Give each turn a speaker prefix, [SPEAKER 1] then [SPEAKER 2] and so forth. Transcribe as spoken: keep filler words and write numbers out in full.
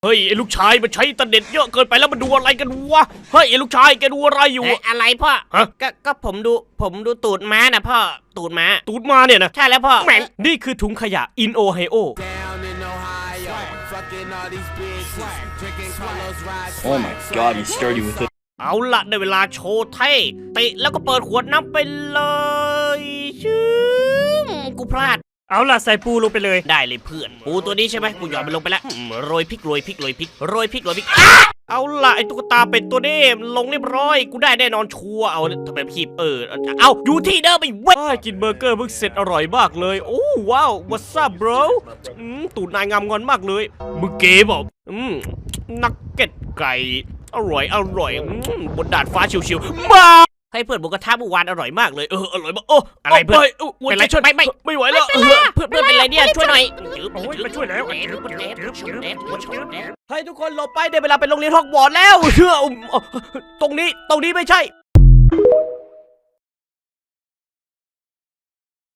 [SPEAKER 1] เฮ้ยไอ้ลูกชายมันใช้อินเทอร์เน็ตเยอะเกินไปแล้วมันดูอะไรกันวะเฮ้ยไอ้ลูกชายแกดูอะไรอยู่
[SPEAKER 2] เอ๊ะอะไรพ่อ
[SPEAKER 1] ฮะ
[SPEAKER 2] ก็ก็ผมดูผมดูตูดม้านะพ่อตูดม้า
[SPEAKER 1] ตูดมาเนี่ยนะ
[SPEAKER 2] ใช่แล้วพ่อ
[SPEAKER 1] แม่งนี่คือถุงขยะอินโอไฮโอ
[SPEAKER 3] Oh my god, he's sturdy with it.
[SPEAKER 1] เอาละในเวลาโชว์เท่เตะแล้วก็เปิดขวดน้ำไปเลยชื่อกูพลาด
[SPEAKER 4] เอาล่ะใส่ปูลงไปเลย
[SPEAKER 1] ได้เลยเพื่อนปูตัวนี้ใช่ไหมกูหยอดมันลงไปแล้วอืมโรยพริกโรยพริกโรยพริกโรยพริกโรยพริกอ่ะเอาละไอ้ตุ๊กตาเป็ดตัวนี้ลงเรียบร้อยกูได้แน่นอนชัวร์เอาทำไมคีบเออเอาอยู่ที่เดิมไปเว้ยกินเบอร์เกอร์เพิ่งเสร็จอร่อยมากเลยโอ้ว้าว what's up bro อืมตูดนายงามงอนมากเลยมึงเก๋บอกอืมนักเก็ตไก่อร่อยอร่อยอืมบนดาดฟ้าชิวๆมาให้เพื่อนบุกกระทะเมื่อวานอร่อยมากเลยเอออร่อยมากโอ้
[SPEAKER 2] อะไรเพื่อน
[SPEAKER 1] เป็นไรไม่ไม่ไม่ไหวแล้ว
[SPEAKER 2] เพื่อนเพื่อนเป็นไรเนี่ยช่วยหน่อย
[SPEAKER 4] โอ้ยมาช่วยแล้ว
[SPEAKER 1] ให้ทุกคนหลบไปได้เวลาไปโรงเรียนฮอกวอตส์แล้วเชื่อตรงนี้ตรงนี้ไม่ใช่